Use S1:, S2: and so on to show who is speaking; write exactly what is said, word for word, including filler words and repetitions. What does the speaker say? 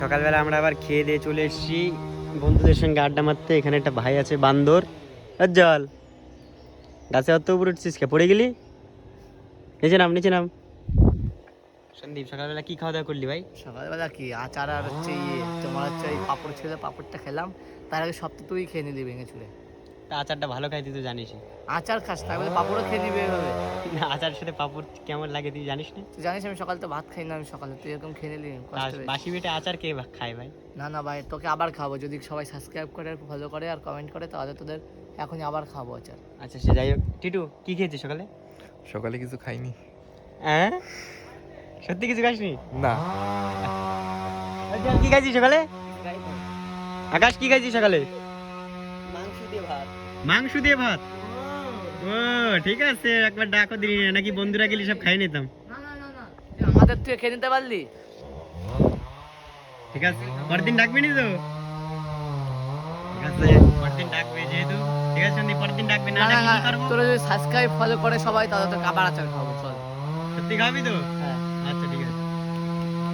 S1: সকালবেলা আমরা আবার খেয়ে দিয়ে চলে এসেছি বন্ধুদের সঙ্গে আড্ডা মারতে। এখানে একটা ভাই আছে বান্দর। জল গাছে অত উপরে উঠছিস কে, পড়ে গেলি? নিচে নাম, নিচে নাম। সন্দীপ, সকালবেলা কি খাওয়া দাওয়া করলি ভাই?
S2: সকালবেলা কি আচার আর হচ্ছে ইয়ে তোমার হচ্ছে ওই পাঁপড় ছিল, পাঁপড়টা খেলাম। তার আগে সব তো তুই খেয়ে নিলি ভেঙে চুড়ে।
S1: তা আচারটা ভালো খাই, তুই তো জানিস।
S2: আচার খাস তাই বলে পাঁপড়ও খেয়ে নিবি এভাবে?
S1: না, আচারের সাথে পাঁপড় কেমন লাগে তুই জানিস না?
S2: তুই জানিস আমি সকালে তো ভাত খাই না, আমি সকালে তুই এরকম খেয়ে নিলি কষ্ট
S1: আর
S2: হয়েছে।
S1: বাসি পেটে আচার কে ভা- খায় ভাই?
S2: না না ভাই, তোকে আবার খাবো যদি সবাই সাবস্ক্রাইব করে ফলো করে আর কমেন্ট করে, তাহলে তোদের এখনই আবার খাবো আচার।
S1: আচ্ছা সে যাই হোক। টিটু, কি খেয়েছিস সকালে?
S3: সকালে কিছু খাইনি।
S1: হ্যাঁ, সত্যি কিছু খাসনি?
S3: না।
S1: জল, কি খাইছিস সকালে? আকাশ, কি খাইছিস সকালে?
S2: মাংস দিয়ে ভাত।
S1: মাংস দিয়ে ভাত? ও ঠিক আছে, একবার ডাকো দিলি না, নাকি বন্ধুরা গেলি সব খাই নিতাম।
S2: না না না না, তুই আমাদের তুই খেয়ে নিতে পারলি?
S1: ঠিক আছে, পরের দিন ডাকবি নি তো? ঠিক আছে, পরের দিন ডাকবে যেহেতু। ঠিক আছে সন্দীপ, পরের দিন ডাকবে না,
S2: না না
S1: ডাকলে
S2: না,
S1: কি করবো?
S2: তোরা যদি সাবস্ক্রাইব ফলো করে সবাই, তাহলে তোকে আবার আচার খাবো, চল।
S1: সত্যি খাবি তো?
S2: হ্যাঁ।
S1: আচ্ছা ঠিক আছে।